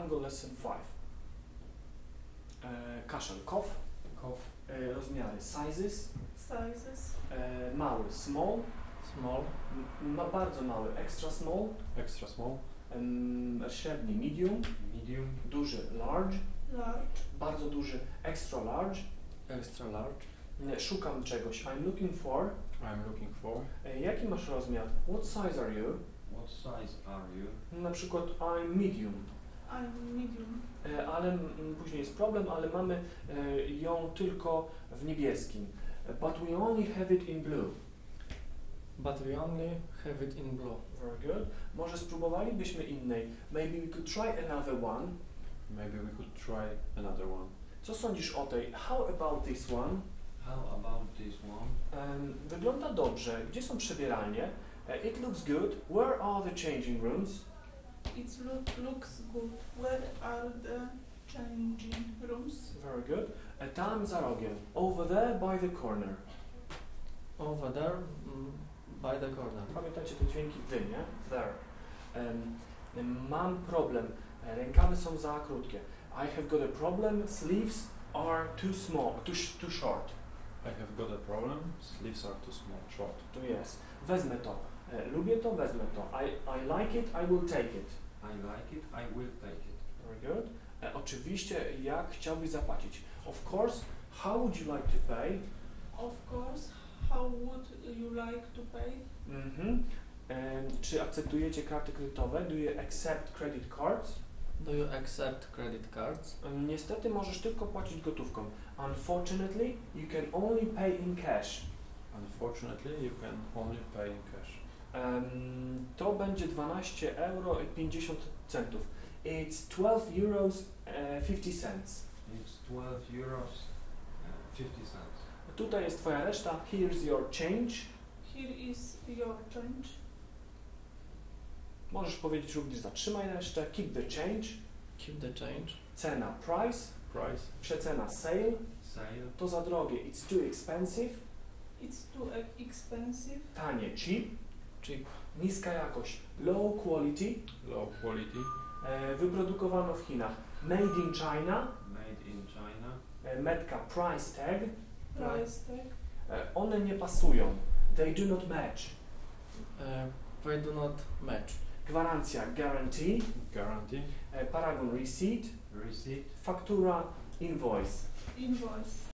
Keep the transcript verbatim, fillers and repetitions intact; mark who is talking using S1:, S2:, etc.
S1: Tango Lesson five. E, kaszel, cough.
S2: Cough.
S1: E, rozmiary, sizes.
S3: Sizes.
S1: E, mały, small.
S2: Small.
S1: M ma bardzo mały, extra small.
S2: Extra small.
S1: Um, średni, medium.
S2: Medium.
S1: Duży, large.
S3: Large.
S1: Bardzo duży, extra large.
S2: Extra large.
S1: E, szukam czegoś, I'm looking for.
S2: I'm looking for.
S1: E, jaki masz rozmiar? What size are you?
S2: What size are you?
S1: Na przykład I'm medium.
S3: I'm medium.
S1: E, ale m, później jest problem, ale mamy e, ją tylko w niebieskim. But we only have it in blue.
S2: But we only have it in blue.
S1: Very good. Może spróbowalibyśmy innej. Maybe we could try another one.
S2: Maybe we could try another one.
S1: Co sądzisz o tej? How about this one?
S2: How about this one?
S1: Um, wygląda dobrze. Gdzie są przebieralnie? Uh, it looks good. Where are the changing rooms?
S3: It look, looks good. Where are the changing rooms?
S1: Very good. Uh, tam za rogiem. Over there by the corner.
S2: Over there, mm, by the corner.
S1: Pamiętajcie te dźwięki wy, nie? There. Um, mam problem. Rękawy są za krótkie. I have got a problem. Sleeves are too small, too, sh too short.
S2: I have got a problem. Sleeves are too small, short.
S1: Tu jest. Wezmę to. E, lubię to, wezmę to. I, I like it, I will take it.
S2: I like it, I will take it.
S1: Very good. E, oczywiście, jak chciałbyś zapłacić? Of course, how would you like to pay?
S3: Of course. How would you like to pay?
S1: Mhm. E, czy akceptujecie karty kredytowe? Do you accept credit cards?
S2: Do you accept credit cards?
S1: E, niestety możesz tylko płacić gotówką. Unfortunately, you can only pay in cash.
S2: Unfortunately, you can only pay in cash.
S1: Um, to będzie dwanaście euro i pięćdziesiąt centów. It's twelve euros uh, fifty cents.
S2: It's twelve euros uh, fifty cents.
S1: Tutaj jest twoja reszta. Here's your change.
S3: Here is your change.
S1: Możesz powiedzieć również zatrzymaj resztę. Keep the change.
S2: Keep the change.
S1: Cena price.
S2: Price.
S1: Przecena sale.
S2: Sale.
S1: To za drogie. It's too expensive.
S3: It's too e expensive.
S1: Tanie. Cheap.
S2: Cheap.
S1: Niska jakość. Low quality.
S2: Low quality.
S1: E, wyprodukowano w Chinach. Made in China.
S2: Made in China.
S1: E, metka price tag.
S3: Price tag.
S1: E, one nie pasują. They do not match.
S2: Uh, they do not match.
S1: Gwarancja guarantee.
S2: Guarantee.
S1: E, paragon receipt.
S2: Receipt.
S1: Faktura invoice.
S3: Invoice.